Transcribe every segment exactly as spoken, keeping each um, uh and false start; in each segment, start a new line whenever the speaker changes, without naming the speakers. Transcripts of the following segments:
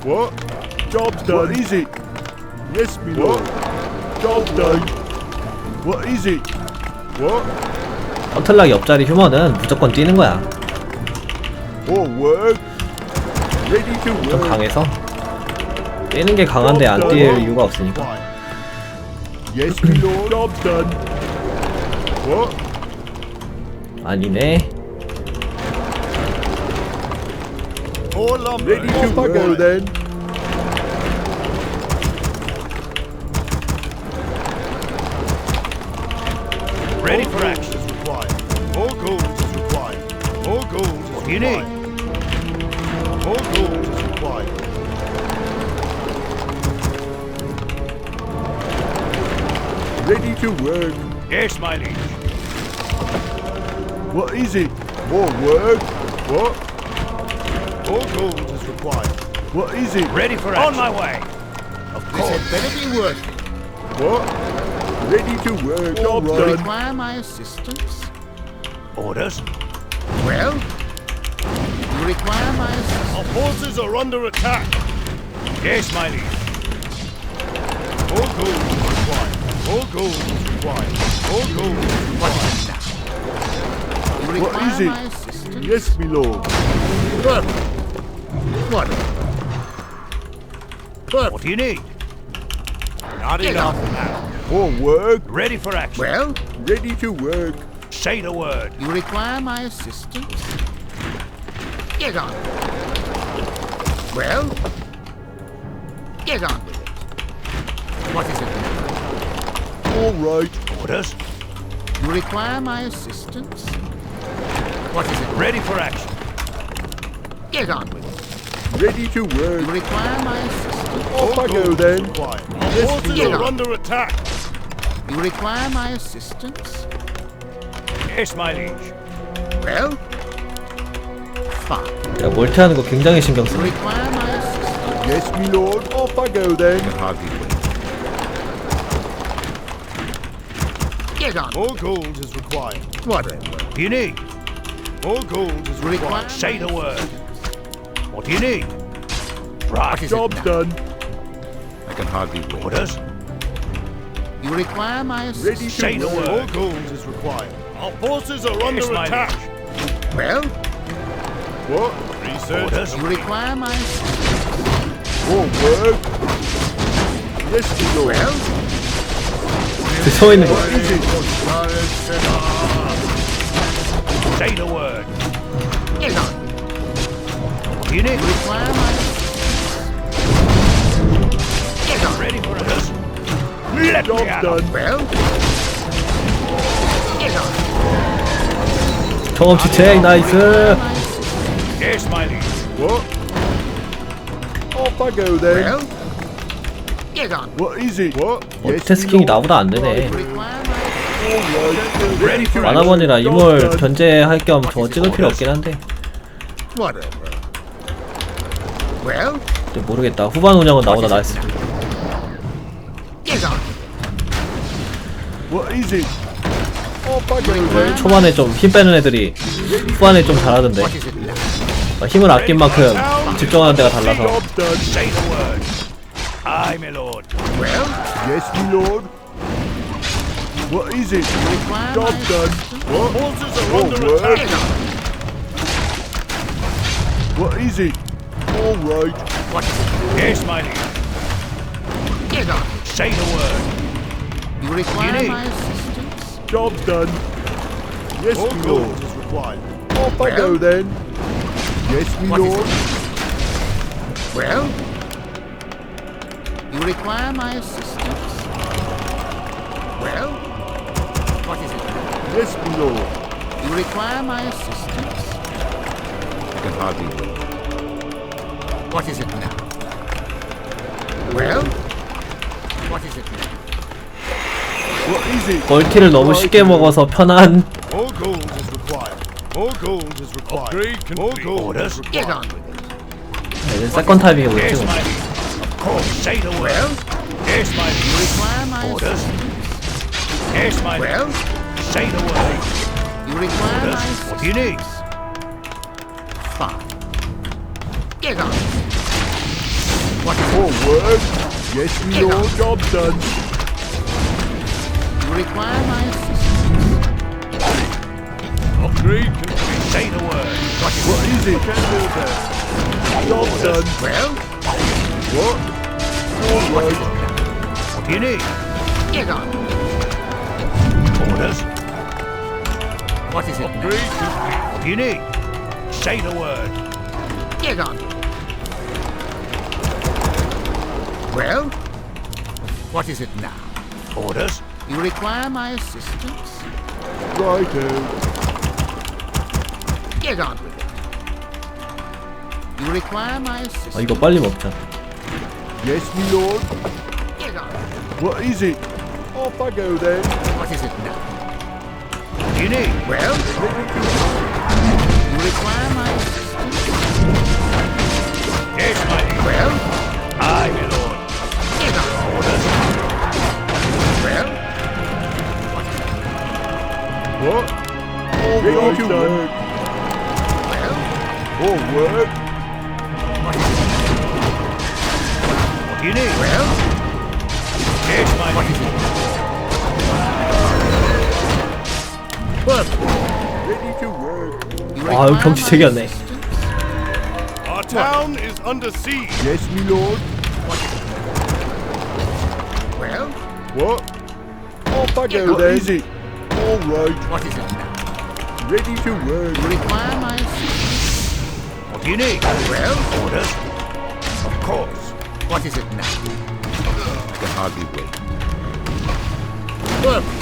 What? Job's done. What is it? Yes, me lord. Job's done. What is it? What?
헌틀락 옆자리 휴먼은 무조건 뛰는 거야.
Oh, work. Ready to
좀
work.
강해서 뛰는 게 강한데 안 뛸 이유가 없으니까.
Yes, me lord. Job's done. What?
아니네.
All up. Ready to work. Go then.
Ready for action.
Is required. More gold is required. More gold is
What do you need?
required. More gold is required. Ready to work.
Yes, my liege.
What is it? More work? What? More gold is required. What is it?
Ready for action. On my way.
Of
This had better be worth it.
What? Ready to work. Job
You
done.
require my assistance?
Orders.
Well, you require my assistance?
Our forces are under attack.
Yes, my liege.
More gold is required. More gold is required. More gold is required.
You
What
require
is it?
my assistance?
Yes, my lord.
Perfect. What? Perfect.
What do you need?
Not
Get
enough
on.
now. More work.
Ready for action.
Well,
Ready to work.
Say the word.
you require my assistance? Get on. Well, get on with it. What is it now?
All right.
Orders.
You require my assistance? What is it?
Ready for action.
Get on with it.
Ready to
You
work.
require my assistance?
Off I go then. Our
Yes,
forces
get
are
on.
under attack.
You require my assistance?
Yes, my liege.
Well, fine.
야, 멀티하는 거 굉장히 신경 써.
You require my assistance?
Yes, my lord. Off I go then.
Hardly wait. Get on.
More gold is required.
Whatever.
What do you need?
More gold is
You require
required.
Say the word. What do you need? Right.
What is it
Job
now?
done.
I can hardly wait.
Orders.
You require my
Ready
assistance?
to
Say the
work.
word.
More gold is required. Our forces are under
Yes, my
attack.
liege.
Well,
What? Research.
Orders.
you require my assistance?
More work. Yes, my lord.
Well,
서 있는 거.
What is it?
Say the word.
get on.
What do you need?
You require my assistance? Get on.
Ready for orders. Let
Job
me out.
done.
Well, get on.
경험치 책 나이스.
Require my assistance?
Yes, my liege.
What? Off I go then.
Well, get on.
What is it? What?
멀티태스킹이 나보다 안 되네.
You require my assistance?
Ready for action.
만화번이라 이몰 견제할 겸 저거 찍을 필요 없긴 한데.
Whatever. Well,
근데 모르겠다. 후반 운영은 나보다 나았을 때.
get on.
What is it? Off I go then.
초반에 좀 힘 빼는 애들이 후반에 좀 잘하던데.
What is it now?
어, 힘을 아낀 만큼 집중하는 데가 달라서.
Job done.
Say the word. Aye, my lord.
Well,
Yes, my lord. What is it?
you require
Job
my
done.
assistance?
What? Forces are
Oh,
under
Get
attack.
on.
What is it? All right.
What is it?
Yes, my liege.
Get on.
Say the word.
You require
need?
my assistance?
Job done. Yes,
More
my
gold
lord. is required. Off I go
Well?
then. Yes, my
What is
lord.
Well, you require my assistance? Well, what is it?
Yes, my lord.
You require my assistance? I can hardly wait. What is it now? Well, what is it now?
What is it?
멀티를 너무 쉽게 먹어서 편한.
More gold is required. More gold is required. More gold
Orders.
is
Get
required.
on with it.
이제 세컨 타이밍에 못
Yes,
찍어.
my liege. Of course. Say the word.
Well,
Yes, my
you
liege.
require my
Orders.
assistance?
Yes, my liege.
Well,
Say the word.
you require my
Orders.
assistance?
What do you need?
Fine. Get on. What is
More
it?
work. Yes, my lord. Job done.
You require my assistance.
Upgrade complete. Say the word.
What is
What
it?
is it? Job done.
Well,
What? All
what is
right.
it now?
What do you need?
Get on.
Orders.
What is it now?
Upgrade complete. What do you need? Say the word.
Get on. Well, what is it now?
Orders.
You require my assistance?
Righto.
Get on with it. You require my
아
assistance?
이거 빨리 먹자.
Yes, my lord.
Get on.
What is it? Off I go then.
What is it now?
What do you need?
Well, you require my assistance?
Yes, my liege.
Well,
Aye, my lord.
get on.
Orders.
Well, what is it?
What? All
Oh,
right to work.
Well,
All work.
what is it?
What do you need?
Well,
Yes, my
what
liege.
is it? What?
Ready to work.
You
아 여기
require
경치
my
되게 안 내.
assistance?
Our town is under siege.
Yes, my lord.
What is it? Well,
What? Off I go
What
then.
is
it? All right.
what is it now?
Ready to work.
You require my assistance?
What do you need?
Well,
Orders. Of course.
what is it now?
I can hardly wait.
Work.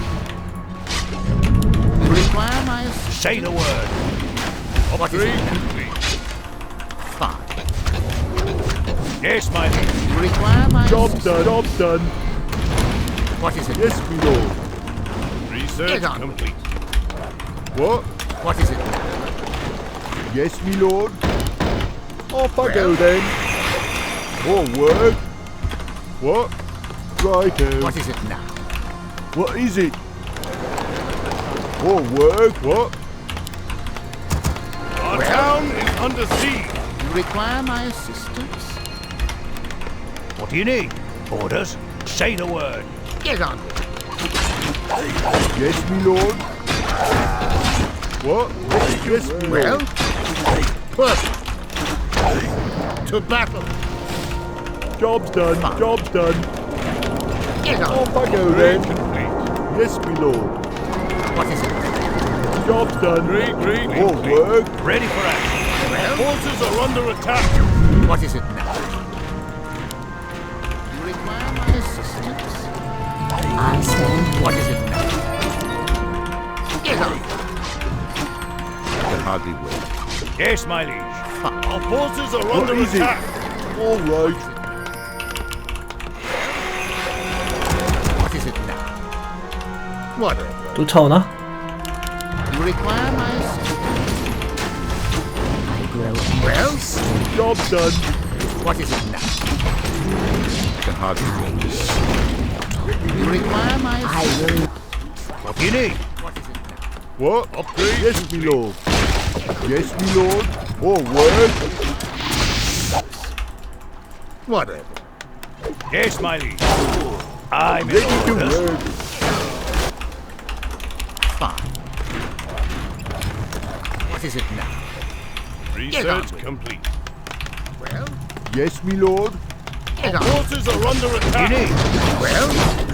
You require my assistance?
Say the word.
What is
Upgrade
it now?
complete.
Fine.
Yes, my liege.
You require my
Job
assistance?
done. Job done.
What is it
Yes,
now?
my lord.
Research
Get on.
complete.
What?
What is it now?
Yes, my lord. Off I go
Well.
then. All work. What? Righto.
What is it now?
What is it? All work. What?
Our
Well.
town is under siege.
You require my assistance?
What do you need? Orders. Say the word.
Get on with it.
Yes, my lord. What? Yes, my
Well,
lord.
work. To battle.
Job's done.
Fine.
Job's done.
Get on.
Off I go
Upgrade
then.
complete.
Yes, my lord.
What is it?
Job's done.
Upgrade, grade
All
complete.
work.
Ready for action.
Well,
Forces are under attack.
what is it now? You require my assistance?
I stand
What is it now? Get on.
I can hardly wait.
Yes, my liege.
Fine.
Our forces are
What
under
is it?
attack.
All right.
What is it now? Whatever.
쫓아오나?
You require my assistance?
I grow
Well,
Job's done.
what is it now?
I can hardly wait.
You require my
I
assistance?
will
What do you need?
What is it now?
What?
Upgrade
Yes, my lord. Yes, my lord. All work.
Whatever.
Yes, my liege. I'm
Ready to
orders.
work.
Fine. What is it now? Get on
Research
with it.
complete.
Well,
Yes, my lord.
get on.
Forces are under attack. You need?
Well,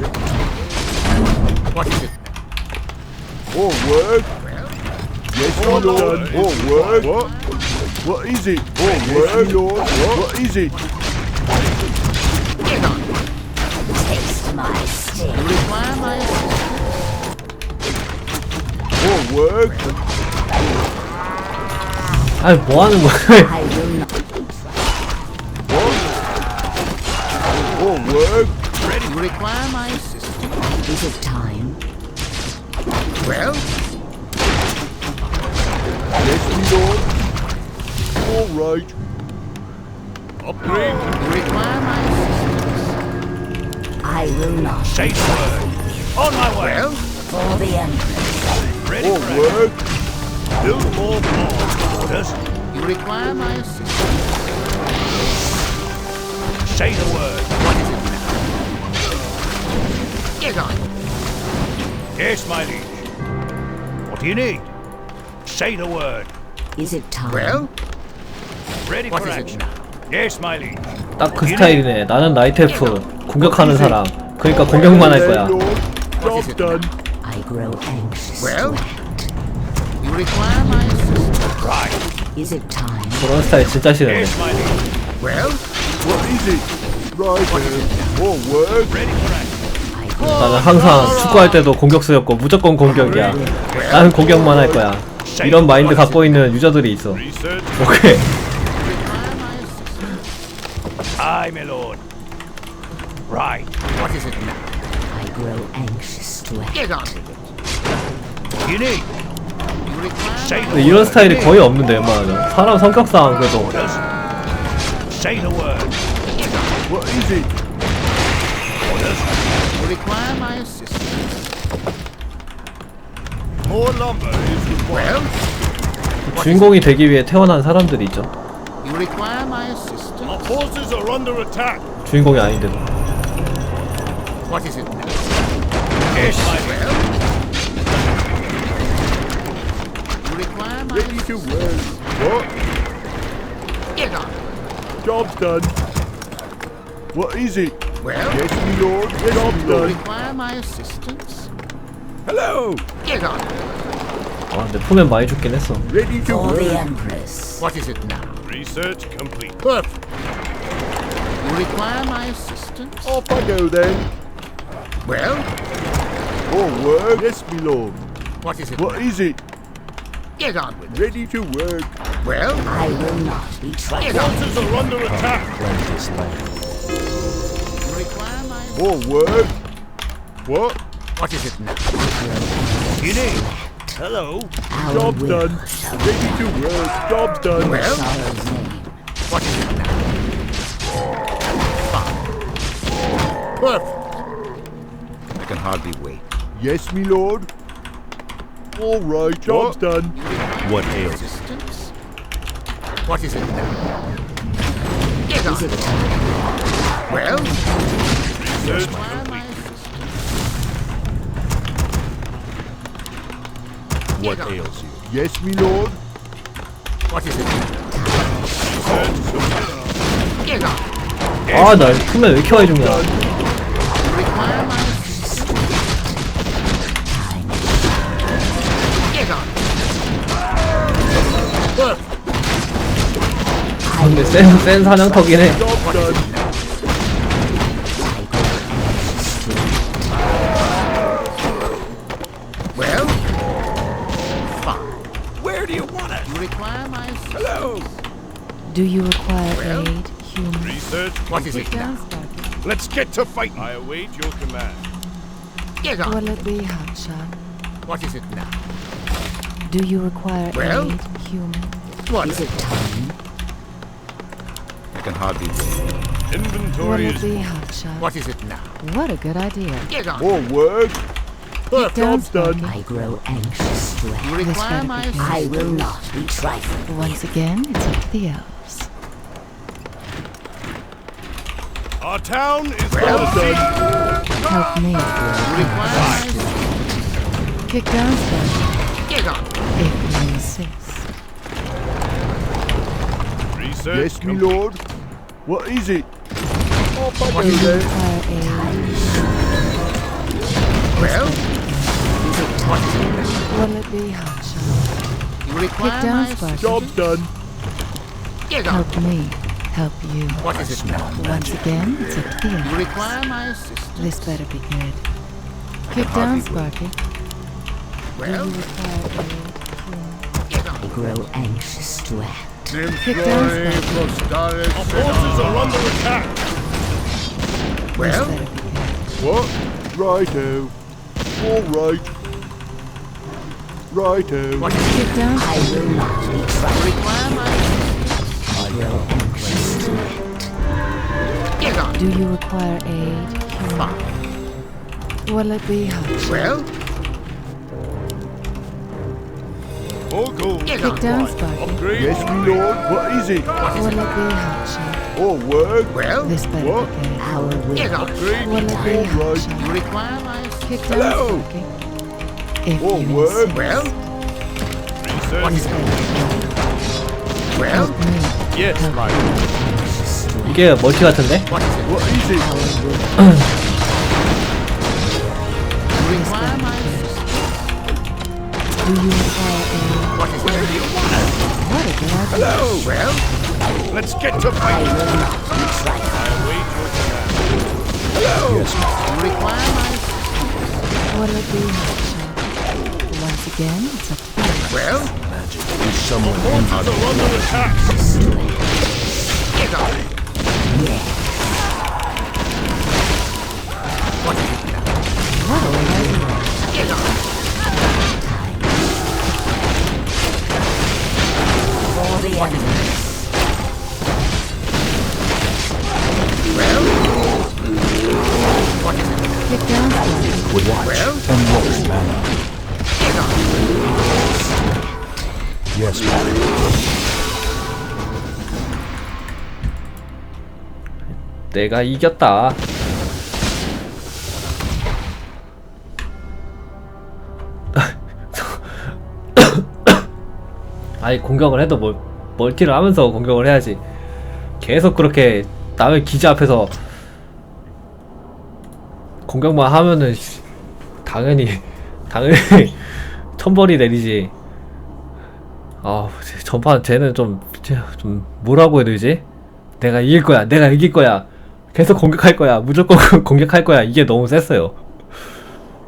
what is it now?
All work.
Well,
Yes, my
All
lord.
Lord.
All work. What? What is it? All work, my lord. What? What is it?
get on.
taste my
You
sting.
require my assistance?
All work.
아니 뭐 하는 거야?
I will not.
What? All work.
You require my assistance?
Is it time?
Well,
Yes, my lord. All right.
Upgrade.
you require my assistance?
I will not.
Say the word. On my way.
Well,
For the Empress.
Ready
All
for action.
work.
Build more walls. Orders.
you require my assistance?
Say the word.
What is it now? Get on.
Yes, my liege. What do you need? Say the word.
Is it time?
Well,
Ready
what
for
is it
action.
now?
Yes, my liege.
딱 그 스타일이네. 나는 나이트 엘프 공격하는 사람. 그러니까 공격만 할 거야.
Lord.
What is
Job
it
done.
I grow anxious
Well?
to act.
You require my assistance.
Right.
Is it time?
그런 스타일 진짜 싫은데.
Yes, my liege.
Well,
What is it? Right here. More work.
Ready for action.
I grow
나는 항상 축구할 때도 공격수였고 무조건 공격이야. 나는 공격만 할 거야. 이런 마인드 갖고 있는 유저들이 있어.
Research.
오케이.
require my assistance.
Aye, my lord. Right.
What is it now?
I grow anxious to act.
Get on with it.
What do you need?
You require
Say the
근데
word.
이런 스타일이 거의 없는데 웬만하면. 사람 성격상 그래도
Orders. Say the word.
What is it?
Orders.
You require my assistance.
More lumber is required.
Well,
주인공이 되기 위해 태어난 사람들이 있죠.
you require my assistance.
Our forces are under attack.
주인공이 아닌데도.
What is it now?
Yes, my liege.
Well, you require my
Ready to
assistance.
work. What?
Get on.
Job's done. What is it?
Well,
Yes, my lord. Yes, Job's
you
done.
require my assistance.
Hello.
Get on.
아 근데 푸면 많이 죽긴 했어.
Ready to
For the
work.
Empress.
What is it now?
Research complete.
Perfect. You require my assistance.
Off I go then.
Well,
More work. Yes, my lord.
what is it?
What
now?
is it?
Get on with it.
Ready to work.
Well,
I will not be trifled.
get on.
Forces are under attack.
You require my
More work. What?
What is it now?
What do you need? Hello.
Our
Job's
will
done.
shall
Ready to work. Job's done.
Well,
sorrow's name.
what is it now? Fine. Perfect.
I can hardly wait.
Yes, my lord. All right. Job's done.
What ails assistance? What is it now? Get on.
Is it time?
Well,
Research
require my
complete.
assistance.
What
Get on.
ails you? Yes, my lord.
What is it now?
Research complete.
Get on.
아 나 푸면 왜 이렇게 많이 죽냐.
You require my assistance. Get on. Perfect.
아, 근데 센, 센 사냥터긴 해.
Job done.
Well, fine. Where do you want it? You require my assistance. Hello.
Do you require
Well?
aid, human?
Research.
What is it now?
Down, Sparky.
Let's get to fighting. I await your command.
Get on.
Will it be Hotshot?
What is it now?
Do you require
Well?
aid, human?
What
Is it time?
I can hardly wait.
Will
Inventory
it
is
be Hotshot?
What is it now?
What a good idea.
Get on.
more work.
Perfect.
Down,
Job's done.
Sparky.
I grow anxious to
You
act.
This
require
better
my
be good.
I
assistance.
will not be trifled.
Once again, it's up to the elves.
Our town is
Well
well done.
Help me.
You require my assistance.
Kick down, Sparky.
Get on.
If you insist.
Research. Yes, my lord. What is it? Off I go
What
Do you
then.
require aid?
Well, what is it now?
Will it be Hotshot?
You require
down,
my
Sparky.
assistance.
Job's done.
Get on.
Help me. Help you.
What is it now?
Once again, it's up to the
You
elves.
require my assistance.
This better be good. Kick down, Sparky. Do
Well,
you require aid, human?
get
I
on.
grow anxious to act.
Kick down, Sparky.
Our forces are under attack.
This
Well,
better be good.
What? Righto. All right. Righto.
what is it?
Kick down,
I will not be
You
trifled.
require my assistance.
I grow anxious to act.
Get on.
Do you require aid, human?
Fine.
Will it be Hotshot?
Well,
All gold.
get
Kick
on.
down, Sparky.
Upgrade. Yes, my lord. What is it?
What is
Will
it?
it be Hotshot?
Oh, word.
Well,
This better
What?
be good.
Our will.
get on.
What'll it be,
Right.
Hawkshaw?
You require my assistance.
Kick down,
Hello.
Sparky. If
Oh,
you
word.
insist.
Well, what is
This
it?
better be good.
Well,
Help me.
Yes,
Help
my
이게 멀티 같은데?
what is it?
What is it?
Our will.
You require my assistance.
Do you require aid?
What is it?
What a good idea.
Hello.
Well,
Let's get to fighting. Hello.
you require my assistance.
What'll it be, Hawkshaw? Once again, it's up to you.
Well,
Forces are under attack.
get on. What is it now?
What a good idea.
Get on.
For the enemy.
Well, what is it?
Kick down, Sparky.
Well, get on.
내가 이겼다. 아니 공격을 해도 뭘 멀티를 하면서 공격을 해야지. 계속 그렇게 남의 기지 앞에서 공격만 하면은 씨, 당연히 당연히 천벌이 내리지. 아 전판 쟤는 좀 좀 뭐라고 해야 되지? 내가 이길 거야, 내가 이길 거야, 계속 공격할 거야, 무조건 공격할 거야. 이게 너무 셌어요.